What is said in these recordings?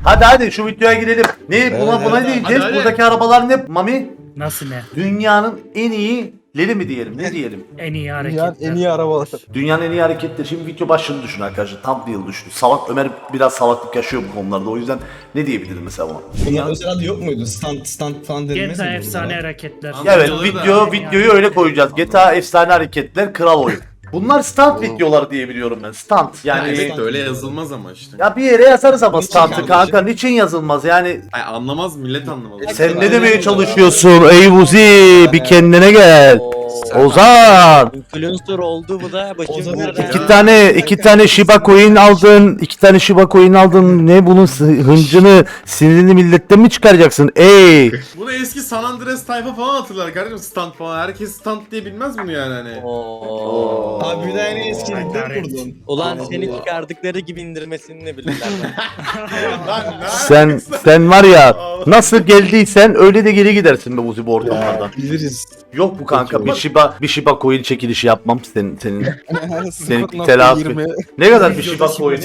Hadi şu videoya girelim. Ne buna ne diyeceğiz? hadi. Buradaki arabalar ne Mami? Nasıl ne? Dünyanın en iyileri mi diyelim? Ne diyelim? En iyi Dünyanın hareketler. en iyi arabalar. Dünyanın en iyi hareketleri. Şimdi video başlığını düşün arkadaşlar. Thumbnail düşün. Ömer biraz salaklık yaşıyor bu konularda. O yüzden ne diyebiliriz mesela buna? Bunlar özel adı yok muydu? Stand falan denilmez GTA miydi efsane bunlara? hareketler. Evet Videoları da- videoyu öyle koyacağız. GTA efsane hareketler kral oyun. Bunlar stunt videoları diye biliyorum ben. Stunt yani. Evet, Öyle yazılmaz ama işte. Ya bir yere yazarız ama Niçin stunt'ı kardeşim? kanka. Niçin yazılmaz yani? Ay, anlamaz millet anlamaz. Sen ne demeye çalışıyorsun? Ey Vuzi bir kendine gel. Ozan. Influencer oldu bu da başım Ozan nerede? İki tane Shiba coin aldın. İki tane Shiba coin aldın. Ne bunun hıncını, sinirini milletten mi çıkaracaksın? Ey. Bunu eski San Andreas tayfa falan hatırlar kardeşim, stand falan. Herkes stand diye bilmez bunu yani hani. Oo. Abi bir de en eski video Hakaret. kurdun. Ulan seni çıkardıkları gibi indirmesini ne bilirler. Lan ne Sen var ya nasıl geldiysen öyle de geri gidersin be Vuzi bu ortamlardan. Biliriz. Yok bu kanka bir Shiba coin çekilişi yapmam senin. Seninki 0.20. telafi. Ne kadar bir Shiba coin?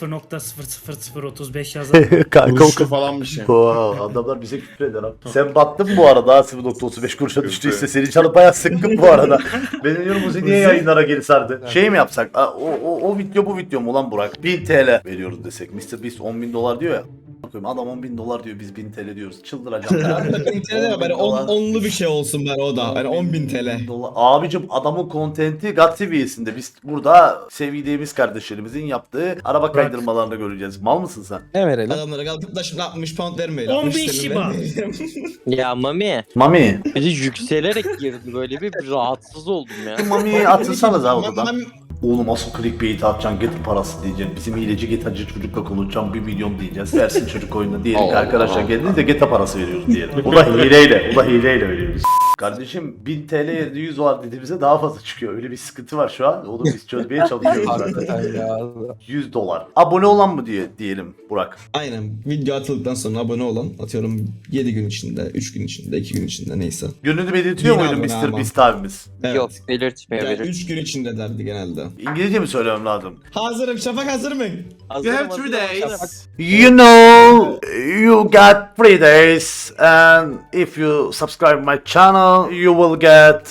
0.00035 yazan. Kanka o kuruşu falan bir şey. Adamlar bize küfür eder abi. Sen battın bu arada 0.35 kuruşa düştüyse seni canı bayağı sıkkın bu arada. Ben diyorum Muzi niye yayınlara geri sardı? Şey mi yapsak? O video bu video mu ulan Burak? 1000 TL veriyoruz desek. Mr. Beast 10.000 dolar diyor ya. Bakıyorum adam 10.000 dolar diyor biz 1000 TL diyoruz. Çıldıracağım ya. 1000 TL de böyle onlu bir şey olsun ben o da. Hani 10.000 TL. Abicim adamın kontenti GAT seviyesinde. Biz burada sevdiğimiz kardeşlerimizin yaptığı araba kaydırmalarını göreceğiz. Mal mısın sen? Ne verelim? Adamlara kalkıp da şimdi 60 pound vermeyin. 10.000 60 TL Shiba. vermeyin. Ya Mami, Mami. biri yükselerek girdi böyle bir rahatsız oldum ya. Mami'yi atırsanız ha odadan. Mami- Oğlum asıl clickbait atacaksın, get parası diyeceksin. Bizim hileci getacı çocukla konuşacağım 1 milyon diyeceğiz. Versin çocuk oyununa diyelim ki arkadaşlar geldiniz de geta parası veriyoruz diyelim. O da hileyle veriyoruz. Kardeşim 1000 TL yerine 100 var dediğimizde daha fazla çıkıyor. Öyle bir sıkıntı var şu an. Onu biz çözmeye çalışıyoruz zaten. Hakikaten ya. 100 dolar. Abone olan mı diyelim Burak? Aynen. Video atıldıktan sonra abone olan atıyorum 7 gün içinde, 3 gün içinde, 2 gün içinde neyse. Gönlünü belirtiyor Yine muydun abone Mr. ama. Beast abimiz? Evet. Yok belirtmiyor Yani biri. 3 gün içinde derdi genelde. İngilizce mi söylemem lazım? Hazırım. Şafak hazır mı? You have 3 days. You know, you got 3 days and if you subscribe my channel, you will get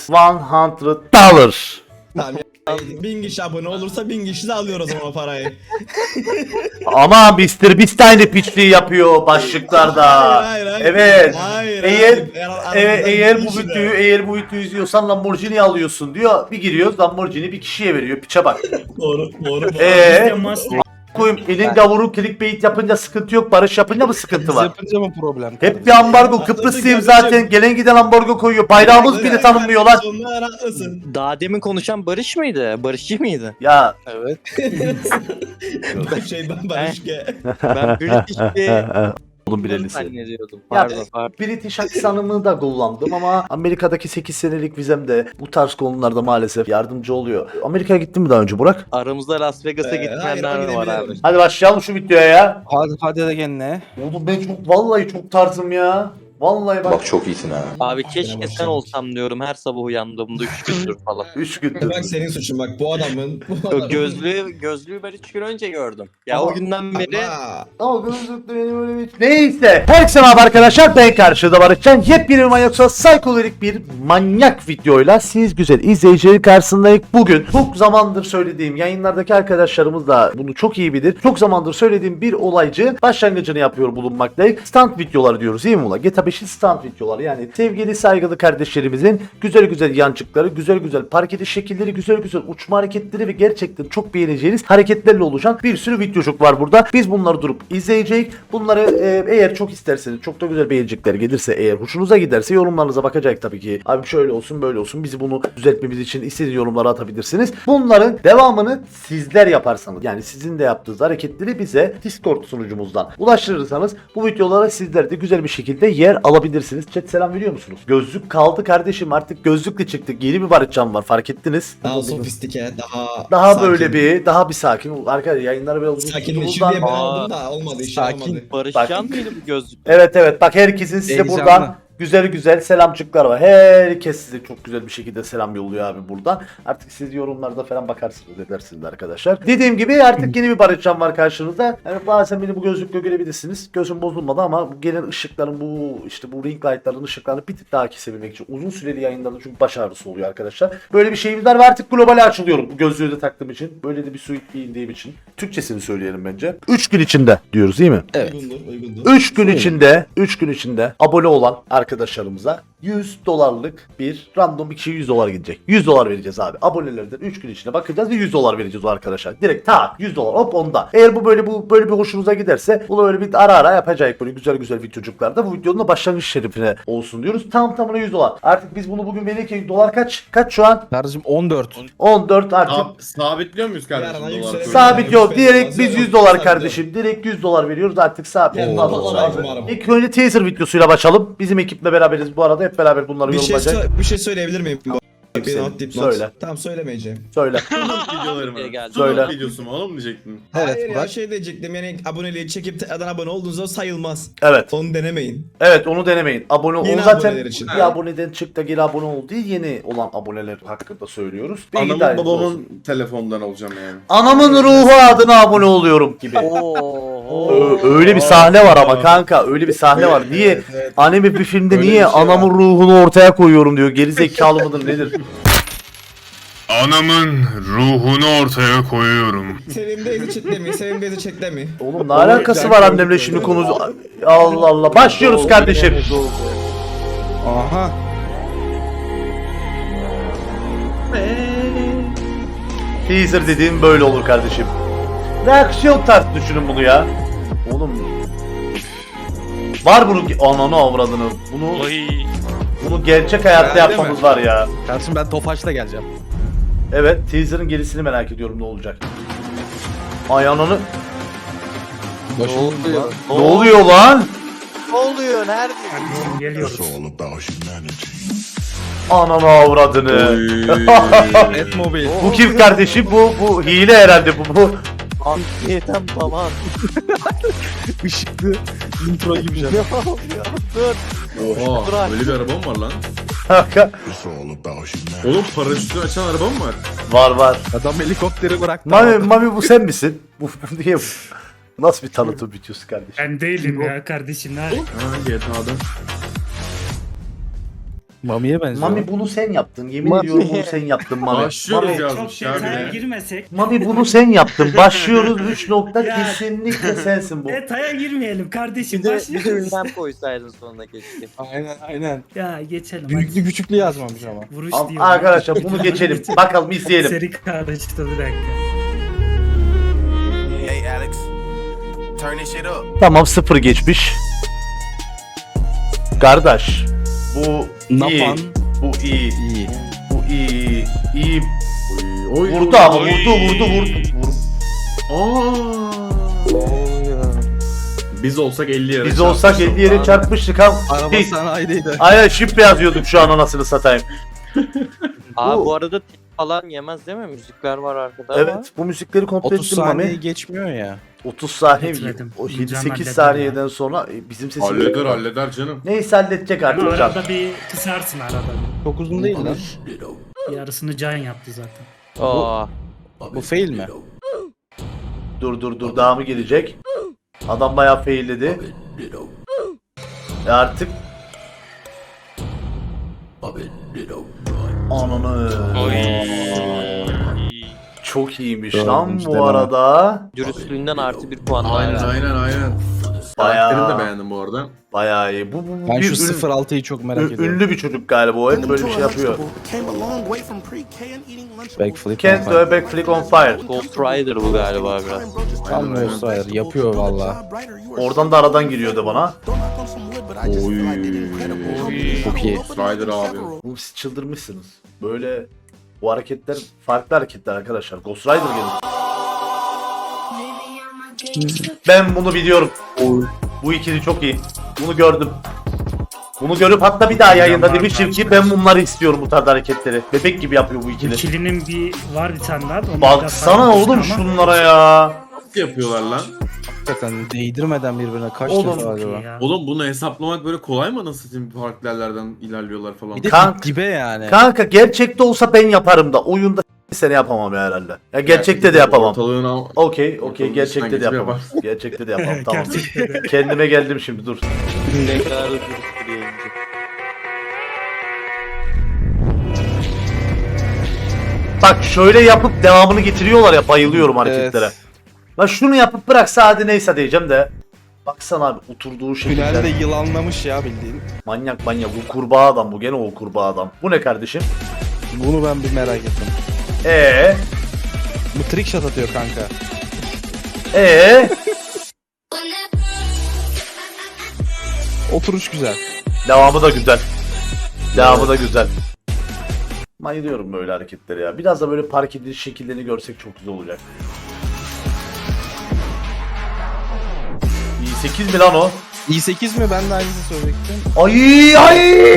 $100. Tamam. 1000 kişi abone olursa 1000 kişi de alıyor o zaman o parayı. Ama Mr. Beast aynı piçliği yapıyor başlıklarda. Hayır. Evet. Hayır. Eğer bu videoyu izliyorsan Lamborghini alıyorsun diyor. Bir giriyoruz Lamborghini bir kişiye veriyor. Piçe bak. Doğru. Bizde Mustang. Koyayım elin gavuru clickbait yapınca sıkıntı yok. Barış yapınca mı sıkıntı Biz var? yapınca mı problem? Hep bir ambargo. Kıbrıslıyım zaten. Gelen giden ambargo koyuyor. Bayrağımız bile tanınmıyor lan. Sonuna rahatlısın. Daha demin konuşan Barış mıydı? Barışçı mıydı? Ya Evet. Ben Barışke. Ben British bir oğlum bilelisi. zannediyordum. Ya, Pardon pardon. British aksanımı da kullandım ama Amerika'daki 8 senelik vizemde bu tarz konularda maalesef yardımcı oluyor. Amerika'ya gittin mi daha önce Burak? Aramızda Las Vegas'a Hayır, gitmeyenler ben var abi. gidebilirim. Hadi başlayalım şu videoya ya. Hadi de kendine. Oğlum ben vallahi çok tarzım ya. Vallahi bak. Çok iyisin ha. Abi keşke sen olsam diyorum her sabah uyandığımda 3 gündür falan. 3 gündür. Bak senin suçun bak bu adamın. O gözlüğü ben 3 gün önce gördüm. Ya Ama- o günden beri Ama gözlüklü benim öyle bir... Neyse. Herkese merhaba arkadaşlar. Ben karşıda Barışcan. Yepyeni bir manyaksa psikodelik bir manyak videoyla siz güzel izleyicilerin karşısındayız. Bugün çok zamandır söylediğim yayınlardaki arkadaşlarımız da bunu çok iyi bilir. Çok zamandır söylediğim bir olaycı başlangıcını yapıyor bulunmaktayız. Stand videoları diyoruz değil mi ulan? GTA 5'in stand videoları yani sevgili saygılı kardeşlerimizin güzel güzel yancıkları, güzel güzel park ediş şekilleri, güzel güzel uçma hareketleri ve gerçekten çok beğeneceğiniz hareketlerle oluşan bir sürü videocuk var burada. Biz bunları durup izleyeceğiz. Bunları eğer çok isterseniz, çok da güzel beğenecekler gelirse, eğer hoşunuza giderse yorumlarınıza bakacak tabii ki. Abi şöyle olsun böyle olsun bizi bunu düzeltmemiz için istediğiniz yorumlara atabilirsiniz. Bunların devamını sizler yaparsanız yani sizin de yaptığınız hareketleri bize Discord sunucumuzdan ulaştırırsanız bu videolara sizler de güzel bir şekilde yer alabilirsiniz. Chat selam veriyor musunuz? Gözlük kaldı kardeşim artık gözlükle çıktık. Yeni bir Barışcan var fark ettiniz. Daha sofistike, Daha sakin. böyle bir daha bir sakin. Arkadaşlar yayınları biraz uzun Sakinleşir tuttuğumuzdan- diye ben aldım da olmadı işe sakin olmadı. Barışcan mıydı bu gözlük? Evet bak herkesin size Heyecanlı. buradan güzel güzel selamcıklar var. Herkes size çok güzel bir şekilde selam yolluyor abi buradan. Artık siz yorumlarda falan bakarsınız edersiniz arkadaşlar. Dediğim gibi artık yeni bir Barışcan var karşınızda. Yani bazen beni bu gözlükle görebilirsiniz. Gözüm bozulmadı ama bu gelen ışıkların bu işte bu ring light'ların ışıklarını bir tık daha kesebilmek için uzun süreli yayınlarda çünkü baş ağrısı oluyor arkadaşlar. Böyle bir şeyimiz var ve artık globale açılıyorum bu gözlüğü de taktığım için. Böyle de bir suit giyindiğim için. Türkçesini söyleyelim bence. 3 gün içinde diyoruz değil mi? Uygundur. 3 gün içinde abone olan arkadaşlarımıza $100 bir random bir kişiye $100 gidecek. $100 vereceğiz abi. Abonelerden 3 gün içinde bakacağız ve $100 vereceğiz o arkadaşlar. Direkt tak $100 hop onda. Eğer bu böyle bir hoşunuza giderse bunu böyle bir ara yapacak böyle güzel güzel videocuklarda. Bu videonun da başlangıç şerifine olsun diyoruz. Tam tamına $100. Artık biz bunu bugün verirken dolar kaç? Kaç şu an? Kardeşim 14. 14 artık. Sabitliyor muyuz kardeşim? Yarın dolar yüksek- kurunu? Sabit yok. Direkt biz $100 Sabit. kardeşim. Direkt $100 veriyoruz artık sabit. Yani Vallahi dolar abi. var ama. İlk önce teaser videosuyla başlayalım. Bizim ekiple beraberiz bu arada. Hep beraber bunları yorumlayacak. Bir şey söyleyebilir miyim? Bir not dipnot. Söyle. Tamam söylemeyeceğim. Söyle. Videoları mı? Geldi. Söyle. Söyle. Videosu mu oğlum diyecektin? Hayır Evet ya Burak. şey diyecektim yani aboneliği çekip tekrardan abone olduğunuzda sayılmaz. Evet. Onu denemeyin. Evet onu denemeyin. Abone ol. Yeni Onu zaten aboneler için. bir aboneden çık da geri abone ol diye yeni olan aboneler hakkında söylüyoruz. Bilgi Anamın dahiliniz babamın olsun. telefondan olacağım yani. Anamın ruhu adına abone oluyorum gibi. Oo. Öyle bir sahne var ama kanka. Öyle bir sahne var. Niye? Evet, evet. Anime bir filmde Öyle niye bir şey anamın ruhunu ortaya koyuyorum diyor. Geri zekalı mıdır nedir? Anamın ruhunu ortaya koyuyorum. Sevim Beyzi chatte mi? Sevim Beyzi chatte mi? Oğlum ne alakası var annemle şimdi konu? Allah Allah. Başlıyoruz kardeşim. Aha. Teaser dediğim böyle olur kardeşim. Reaksiyon tarzı düşünün bunu ya. Oğlum. Var bunun ananı avradını. Bunu gerçek hayatta Herhalde yapmamız mi? var ya. Kardeşim ben Tofaş'la geleceğim. Evet, teaser'ın gerisini merak ediyorum ne olacak. Ay ananı. Ne oluyor? Ne oluyor lan? Ne oluyor? Nerede? Kardeşim geliyoruz. Ananı avradını. Etmobil. Bu kim kardeşim? Bu hile herhalde bu. Antiyetem falan. Işıklı intro gibi şey. Ne oluyor? Dur. Oha Bırak. böyle bir araba mı var lan? Kanka. Oğlum paraşütü açan araba mı var? Var. Adam helikopteri bıraktı. Mami bu sen misin? Bu niye bu? Nasıl bir tanıtım videosu kardeşim? Ben değilim ya kardeşim. Ha GTA'da. Mami'ye benziyor. Mami bunu sen yaptın. Yemin Mami. ediyorum bunu sen yaptın Mami. Başlıyoruz Mami, Çok yazmış ya detaya bir de. girmesek. Mami bunu sen yaptın. Başlıyoruz 3 nokta Ya. kesinlikle sensin bu. Detaya girmeyelim kardeşim. Bir de Başlıyoruz. ünlem koysaydın sonuna keşke. Aynen. Ya geçelim. Büyüklü küçüklü yazmamış ama. Vuruş Al- diyor. Arkadaşlar bunu geçelim. Bakalım izleyelim. Seri kardeşte bir dakika. Hey Alex, turn this shit up. Tamam 0 geçmiş. Kardeş. Bu iyi. Napan. Bu iyi. İyi. Bu iyi. İyi. Oy, Vurdu ama vurdu. Biz olsak 50 yere Biz olsak 50 yere çarpmıştık ha. Araba Biz- sanayideydi. Aynen şifre yazıyorduk şu an anasını satayım. Abi bu arada tip falan yemez değil mi? Müzikler var arkada ama. Evet bu müzikleri komple 30 ettim saniye Mami. geçmiyor ya. 30 saniye Etmedim. o İncan 7-8 halledim saniyeden sonra bizim sesimiz. Halleder canım. Neyse halledecek Ama artık can. arada bir kısarsın arada. Çok uzun değil lan. Yarısını Can yaptı zaten. Aa. Bu fail mi? Dur daha mı gelecek? Adam bayağı failledi. Artık Ananı. Çok iyiymiş lan işte bu ben. arada. Dürüstlüğünden artı bir puan daha. Aynen. Bayağı- Karakterini de beğendim bu arada. Bayağı iyi. Bu Ben bir şu 06'yı çok merak ediyorum. ünlü bir çocuk galiba o hep böyle bir şey yapıyor. Came a long way from pre-K and eating lunchables. Backflip. Can't do a backflip on fire. Ghost Rider bu galiba biraz. Tam Ghost yapıyor valla. Oradan da aradan giriyordu bana. Çok iyi. Rider abi. Oğlum siz çıldırmışsınız. Böyle bu hareketler farklı hareketler arkadaşlar. Ghost Rider gelin. Ben bunu biliyorum. Bu ikili çok iyi. Bunu gördüm. Bunu görüp hatta bir daha yayında demiştim ki ben bunları istiyorum bu tarz hareketleri. Bebek gibi yapıyor bu ikili. İkilinin bir var bir tane daha. da onu biraz Baksana farklı oğlum ama şunlara ya. Nasıl yapıyorlar lan? Hakikaten değdirmeden birbirine kaç Oğlum, defa Çok iyi acaba? ya. Oğlum bunu hesaplamak böyle kolay mı, nasıl diyeyim, farklı yerlerden ilerliyorlar falan. Bir de Kank- dibe yani. Kanka gerçekte olsa ben yaparım da oyunda sene yapamam ya herhalde. Ya gerçekte de yapamam. Ortalığına... Okey, Ortalığın gerçekte de dışından yapamam. geçip Gerçekte de yapamam, tamam. Gerçekten de. Kendime geldim şimdi, dur. Tekrar dürüst bir yayıncı. Bak şöyle yapıp devamını getiriyorlar ya, bayılıyorum hareketlere. Evet. Lan şunu yapıp bıraksa hadi neyse diyeceğim de. Baksana abi oturduğu şekilde. Tünelde yılanlamış ya bildiğin. Manyak bu kurbağa adam, bu gene o kurbağa adam. Bu ne kardeşim? Bunu ben bir merak ettim. Bu trick shot atıyor kanka. Oturuş güzel. Devamı da güzel. Devamı da güzel. Bayılıyorum böyle hareketleri ya. Biraz da böyle park ediliş şekillerini görsek çok güzel olacak. i8 mi lan o? i8 mi? Ben de aynısını söyleyecektim. Ay.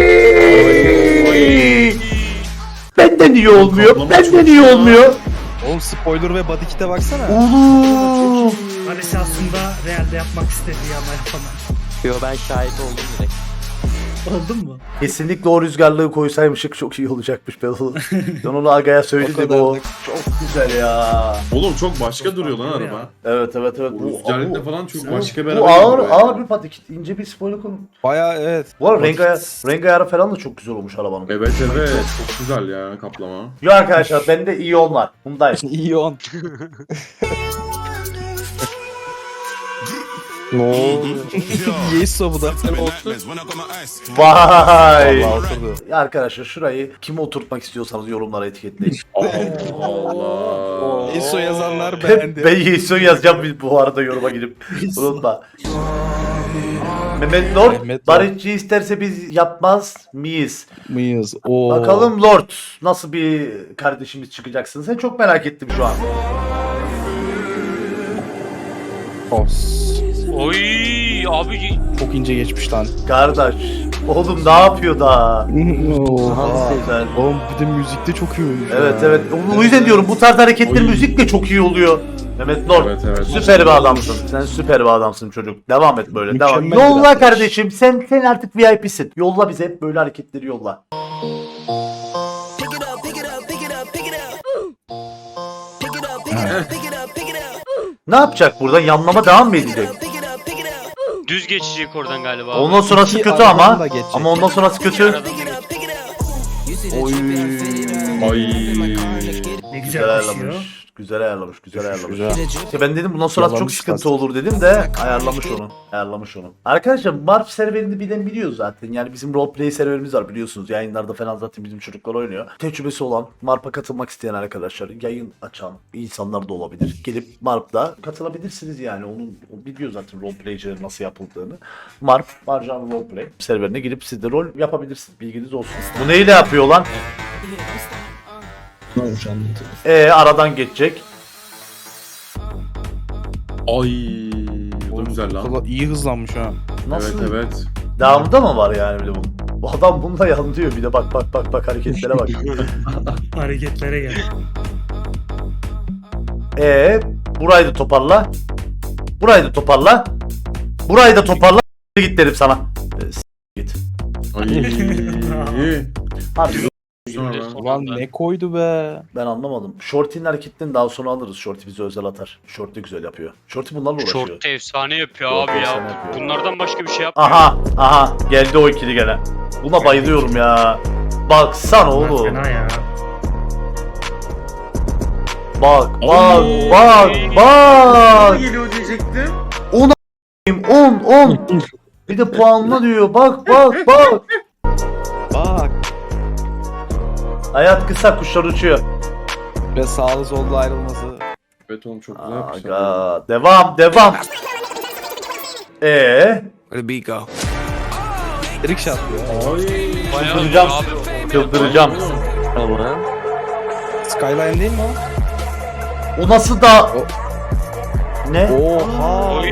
Benden iyi olmuyor. Kaplama Benden çok iyi ya. olmuyor. Oğlum spoiler ve body kit'e baksana. Oğlum. Barış aslında realde yapmak istediği ama yapamadı. Yo, ben şahit oldum direkt. Oldun mu? Kesinlikle o rüzgarlığı koysaymışık çok iyi olacakmış ben onu. Ben onu Aga'ya O söyledim, kadar o da- çok güzel ya. Oğlum çok başka Çok duruyor lan farklı araba. ya. Evet. Bu rüzgarlıkla falan çok başka bir araba. Bu ağır gibi ağır böyle. bir patik, ince bir spoiler konu. Baya evet. Bu arada Body renk ayarı falan da çok güzel olmuş arabanın. Evet çok güzel ya kaplama. Yo arkadaşlar, bende iyi var. Bundayım. İyi on. Ne oldu? Yeso bu da. Vay. Vallahi oturdu. Ya arkadaşlar şurayı kime oturtmak istiyorsanız yorumlara etiketleyin. Allah. Yeso yazanlar ben beğendi. Yeso yazacağım bu arada yoruma girip. Unutma. Mehmet Lord, Mehmet Lord. barışçı isterse biz yapmaz mıyız? Mıyız? Oo. Bakalım Lord nasıl bir kardeşimiz çıkacaksın? Sen çok merak ettim şu an. Os. Oy abi Çok ince geçmiş lan. Kardeş. Oğlum ne yapıyor da? Oha. Güzel. Oğlum bir de müzikte çok iyi oynuyor. Evet. O yüzden diyorum bu tarz hareketler Oy. müzikle çok iyi oluyor. Mehmet Lord. Evet. Süper bir adamsın. Sen süper bir adamsın çocuk. Devam et böyle. Devam. Mükemmel bir Yolla arkadaş. kardeşim. Sen artık VIP'sin. Yolla bize hep böyle hareketleri yolla. Ne yapacak burada? Yanlama devam mı edecek? düz geçecek oradan galiba. abi. Ondan sonrası İki kötü aradan ama. da geçecek. Ama ondan sonrası kötü. Aradan da geçecek. Oy. Ay. Ne güzel Güzel koşuyor. ayarlamış. Güzel ayarlamış. Güzel ayarlamış. Güzel. İşte ben dedim bundan sonra çok Yalamış sıkıntı aslında. olur dedim de ayarlamış onu. Ayarlamış onu. Arkadaşlar Marp serverini bilen biliyor zaten. Yani bizim roleplay serverimiz var biliyorsunuz. Yayınlarda falan zaten bizim çocuklar oynuyor. Tecrübesi olan, Marp'a katılmak isteyen arkadaşlar, yayın açan insanlar da olabilir. Gelip Marp'da katılabilirsiniz yani. O biliyor zaten roleplaycilerin nasıl yapıldığını. Marp, Marjan Roleplay serverine girip siz de rol yapabilirsiniz. Bilginiz olsun. Bu neyle yapıyor lan? Ne olmuş anlatıyor. Aradan geçecek. Ay. Bu da güzel lan. Valla iyi hızlanmış ha. Nasıl? Evet. Devamında mı var yani bir de bu? Bu adam bununla yanlıyor bir de bak hareketlere bak. Hareketlere gel. Burayı da toparla. Burayı da toparla. Burayı da toparla. Git derim sana. Git. Ay. Abi Sonra. Ulan ne koydu be. ben anlamadım. Shorty'nin hareketlerini daha sonra alırız. Shorty bize özel atar. Shorty güzel yapıyor. Shorty bunlarla uğraşıyor. Short efsane yapıyor Short abi efsane ya. yapıyor. Bunlardan başka bir şey yapmıyor. Aha geldi o ikili gene. Buna bayılıyorum ya. Baksana oğlum. Fena ya. Bak. Geliyor diyecektim. 10. Bir de puanla diyor. Bak. Bak. Hayat kısa, kuşlar uçuyor. Ve sağlı sollu ayrılması. Evet oğlum çok güzel yapmışlar. Aga, devam. Trick shot ya. Bayağı Çıldıracağım. abi. Çıldıracağım. Tamam. Skyline değil mi o? O nasıl da... Ne? Oha. Oy.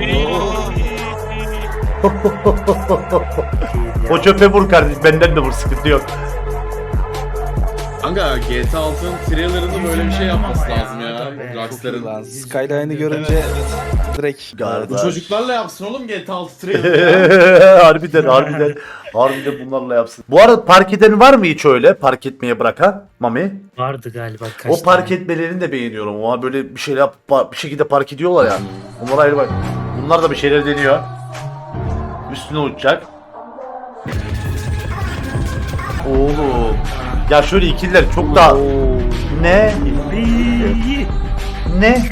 O çöpe vur kardeş, benden de vur, sıkıntı yok. Kanka GTA 6'nın trailerında böyle bir şey yapması Ama ya, lazım ya. tabii. Çok iyi Rockstar'ın. lan. Skyline'ı görünce direkt. Bu çocuklarla yapsın oğlum GTA 6 trailerını. harbiden bunlarla yapsın. Bu arada park eden var mı hiç öyle park etmeye bırakan Mami? Vardı galiba kaç O park tane. etmelerini de beğeniyorum. Ama böyle bir şeyler bir şekilde park ediyorlar yani. Onlar ayrı bak. Bunlar da bir şeyler deniyor. Üstüne uçacak. Oğlum. Ya şöyle ikililer çok daha... Ne? Ne?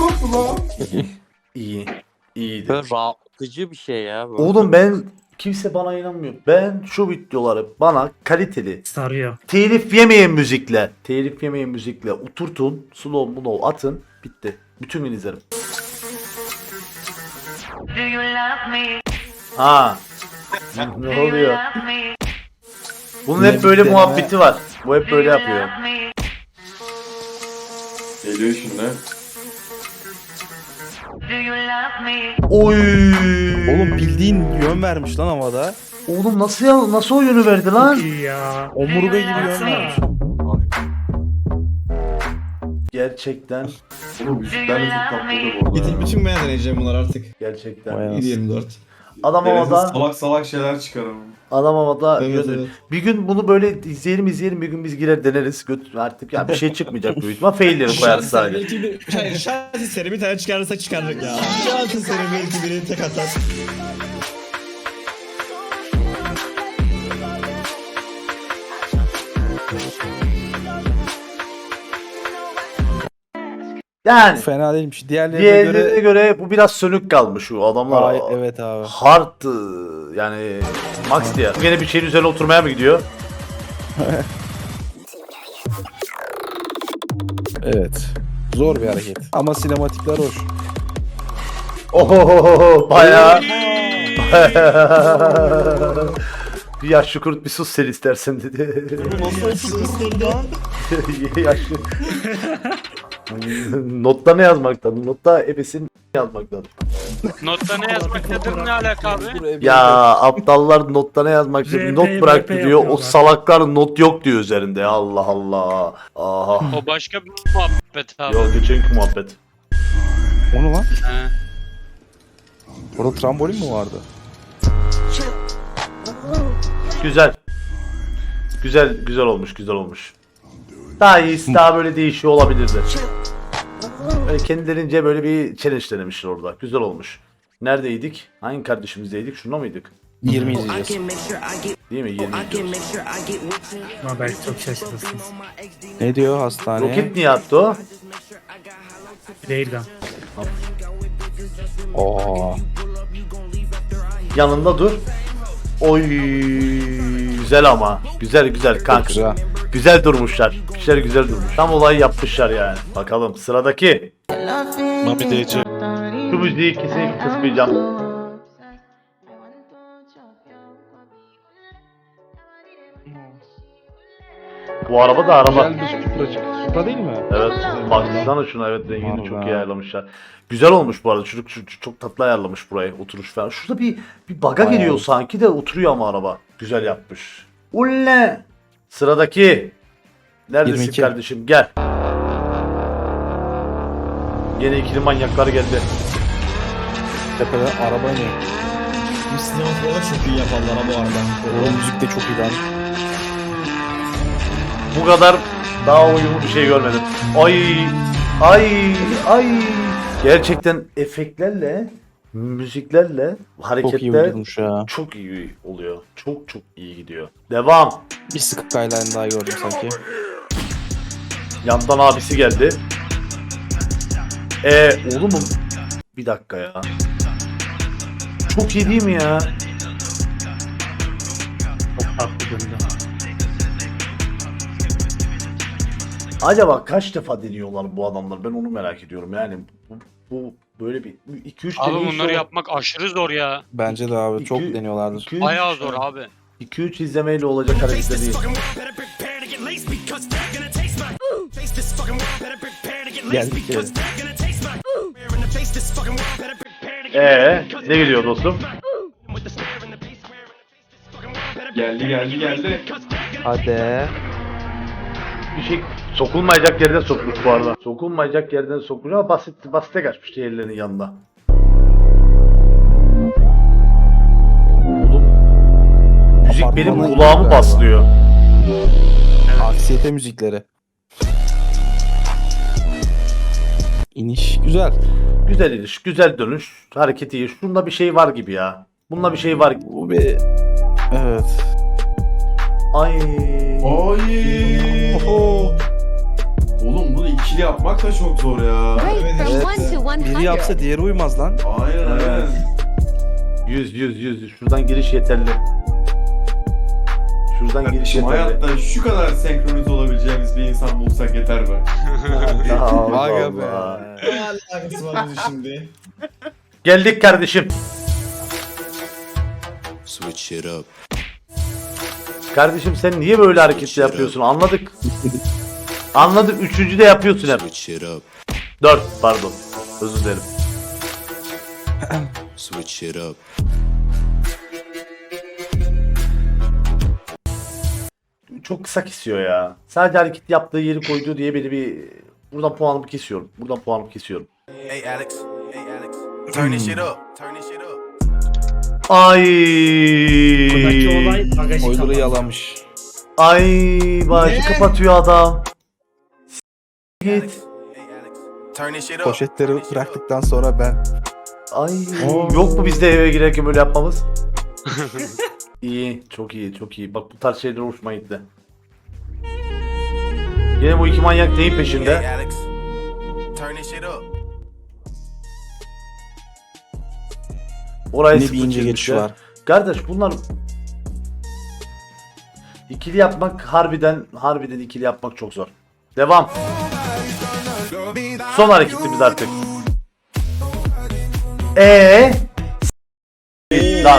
İyi. İyiydi. Böyle rahatlatıcı bir şey ya bu. Oğlum ben... Kimse bana inanmıyor. Ben şu videoları bana kaliteli, Sarıyor. telif yemeyen müzikle oturtun, slow atın, bitti. Bütün gün izlerim. Ha. Ne oluyor? Bunun hep böyle muhabbeti var. Bu hep böyle yapıyor. Geliyor şimdi. Oy. Oğlum bildiğin yön vermiş lan havada. Oğlum nasıl o yönü verdi lan? İyi ya. Omurga gibi yön Baksana. vermiş. Gerçekten. Oğlum müzikler de çok tatlı bu arada. Bütün ben deneyeceğim bunlar artık. Gerçekten. Vay 7-24. Adam Deniz'in havada. salak salak şeyler çıkarım. Adam havada. Evet, evet. Bir gün bunu böyle izleyelim bir gün biz girer deneriz. Artık ya bir şey çıkmayacak büyük ihtimal. Failleri koyarız sadece. Hayır şans eseri bir tane çıkarırsak çıkardık ya. Şans eseri belki biri tek atar. Yani Fena değilmiş. Diğerlerine diğerlerine göre... göre bu biraz sönük kalmış şu adamlar. Ay, evet abi. Hard yani max diye. Yine bir şeyin üzerine oturmaya mı gidiyor? Evet. Zor bir hareket. Ama sinematikler hoş. Ohohoho bayağı. Bir yaşlı kurt bir sus sen istersen dedi. Yaşlı. Notta ne yazmaktadır? Notta ebesin yazmaktadır. Notta ne yazmaktadır ne alaka abi? Ya aptallar notta ne yazmaktadır? RP, Not bıraktı RP diyor. O yapıyorlar. salaklar not yok diyor üzerinde. Allah Allah. Aha. O başka bir muhabbet abi. Yok geçenki muhabbet. Onu lan. He. Orada trambolin mi vardı? Güzel. Güzel olmuş. Daha iyisi daha böyle değişiyor olabilirdi. Böyle kendilerince böyle bir challenge denemişler orada. Güzel olmuş. Neredeydik? Hangi kardeşimizdeydik? Şunda mıydık? 20 izleyeceğiz. Değil mi? 20 izliyoruz. Ama belki çok şaşırırsınız. Ne diyor hastaneye? Roket niye attı o? Railgun. Oo. Yanında dur. Oy güzel ama. Güzel kanka. Çok güzel. Güzel durmuşlar. İşler güzel durmuş. Tam olayı yapmışlar yani. Bakalım sıradaki. Mami DC. Şu müziği kesinlikle kısmayacağım. Bu araba da araba. Güzel bir Supracık. Supra değil mi? Evet. Baksana şuna evet rengini çok iyi Vallahi. ayarlamışlar. Güzel olmuş bu arada. Çocuk çok tatlı ayarlamış burayı. Oturuş falan. Şurada bir baga Bayağı geliyor iyi. sanki de oturuyor ama araba. Güzel yapmış. Ulle. Sıradaki. Neredesin 22. kardeşim? Gel. Yine ikili manyaklar geldi. Tepede araba iniyor. Bu sinematikleri çok iyi yaparlar ha bu arada. O müzik de çok iyi lan. Bu kadar daha uyumlu bir şey görmedim. Ay. Gerçekten efektlerle, müziklerle Çok iyi hareketler uydurmuş ya. çok iyi oluyor. Çok iyi gidiyor. Devam. Bir Skyline daha gördüm sanki. Yandan abisi geldi. Oğlum bir dakika ya. Çok iyi değil mi ya? Çok farklı döndü. Acaba kaç defa deniyorlar bu adamlar? Ben onu merak ediyorum. Yani bu böyle bir 2-3 Abi bunları yapmak aşırı zor ya. Bence de abi çok İki- deniyorlardır. Bayağı zor abi. 2-3 izlemeyle olacak hareketler değil. Geldik ya. Ne geliyor dostum? Geldi. Hadi. bir şey sokulmayacak yerden sokmuş bu arada. Sokulmayacak yerden sokmuş ama basite kaçmış diğerlerinin yanında. Oğlum müzik benim Apartmana kulağımı gidiyor baslıyor. Aksiyete müzikleri. İniş güzel. Güzel iniş, güzel dönüş, hareketi iyi. Şunda bir şey var gibi ya. Bunda bir şey var gibi. Bu bir... Evet. Ay. Ay. Oğlum bunu ikili yapmak da çok zor ya. Rate from 1 to 100. Biri yapsa diğeri uymaz lan. Aynen aynen. 100. Şuradan giriş yeterli. Şuradan giriş Kardeşim yeterli. hayatta şu kadar senkronize olabileceğimiz bir insan bulsak yeter be. Allah Aga be. Allah. Ne alakası var bunun şimdi? Geldik kardeşim. Switch it up. Kardeşim sen niye böyle hareket yapıyorsun? Anladık. Anladık. Üçüncü de yapıyorsun hep. Switch it up. 4 pardon. Özür dilerim. Switch it up. Çok kısa kesiyor ya. Sadece hareket yaptığı yeri koyduğu diye beni bir... Buradan puanımı kesiyorum. Buradan puanımı kesiyorum. Hey Alex. Hey Alex. Turn this shit up. Turn this shit up. Ay. Buradaki olay bagajı Spoiler'ı kapalı. yalamış. Ay. Bağışı kapatıyor adam. Git. Hey Alex. Turn this shit up. Poşetleri Turn this shit up. bıraktıktan sonra ben. Ay. Yok mu bizde eve girerken böyle yapmamız? İyi. Çok iyi. Çok iyi. Bak bu tarz şeyler hoşuma gitti. Yine bu iki manyak neyin peşinde? Hey Alex. Turn this shit up. Oraya Ne bir sıfır ince geçiş çizmişler. var. Kardeş bunlar ikili yapmak harbiden ikili yapmak çok zor. Devam. Son hareketimiz artık. Lan.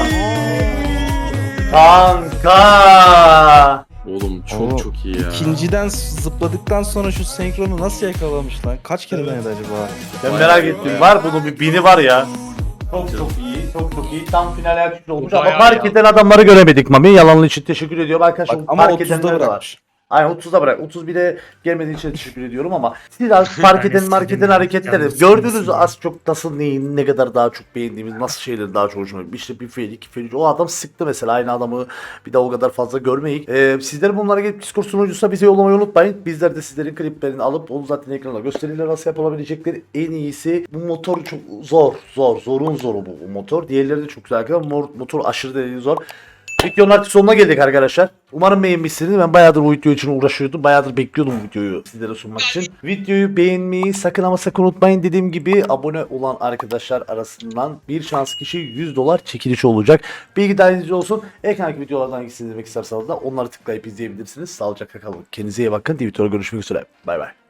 Kanka. Oğlum Oo, çok iyi ya. İkinciden zıpladıktan sonra şu senkronu nasıl yakalamış lan? Kaç kere denedi acaba? Ben merak ettim. Var bunun bir bini var ya. Çok iyi, çok iyi. Tam finale yakışıklı olmuş ama Bayağı fark ya. eden adamları göremedik Mami. Yalanın için teşekkür ediyorum arkadaşlar. Bak, ama Fark 30'da edenler de var. bırakmış. Aynen 30'da bırak. 31'e gelmediği için teşekkür ediyorum ama siz az fark eden Yani marketin istediğim hareketleri yalnız gördünüz sıkıntısın. az çok nasıl neyi ne kadar daha çok beğendiğimiz nasıl şeyleri daha çok hoşuma gitti. İşte bir fail iki fail o adam sıktı mesela aynı adamı bir daha o kadar fazla görmeyik. Sizlerin bunlara gelip Discord sunucusuna bize yollamayı unutmayın. Bizler de sizlerin kliplerini alıp onu zaten ekranda gösterirler nasıl yapılabilecekleri en iyisi. Bu motor çok zorun zoru bu motor. Diğerleri de çok güzel arkadaşlar. Motor aşırı derecede zor. Videonun artık sonuna geldik arkadaşlar. Umarım beğenmişsiniz. Ben bayağıdır bu video için uğraşıyordum. Bayağıdır bekliyordum bu videoyu sizlere sunmak için. Videoyu beğenmeyi sakın ama sakın unutmayın. Dediğim gibi abone olan arkadaşlar arasından bir şans kişi $100 çekilişi olacak. Bilgi dahiliniz olsun. Ekrandaki videolardan hangisini izlemek isterseniz de onları tıklayıp izleyebilirsiniz. Sağlıcakla kalın. Kendinize iyi bakın. Twitter'da görüşmek üzere. Bay bay.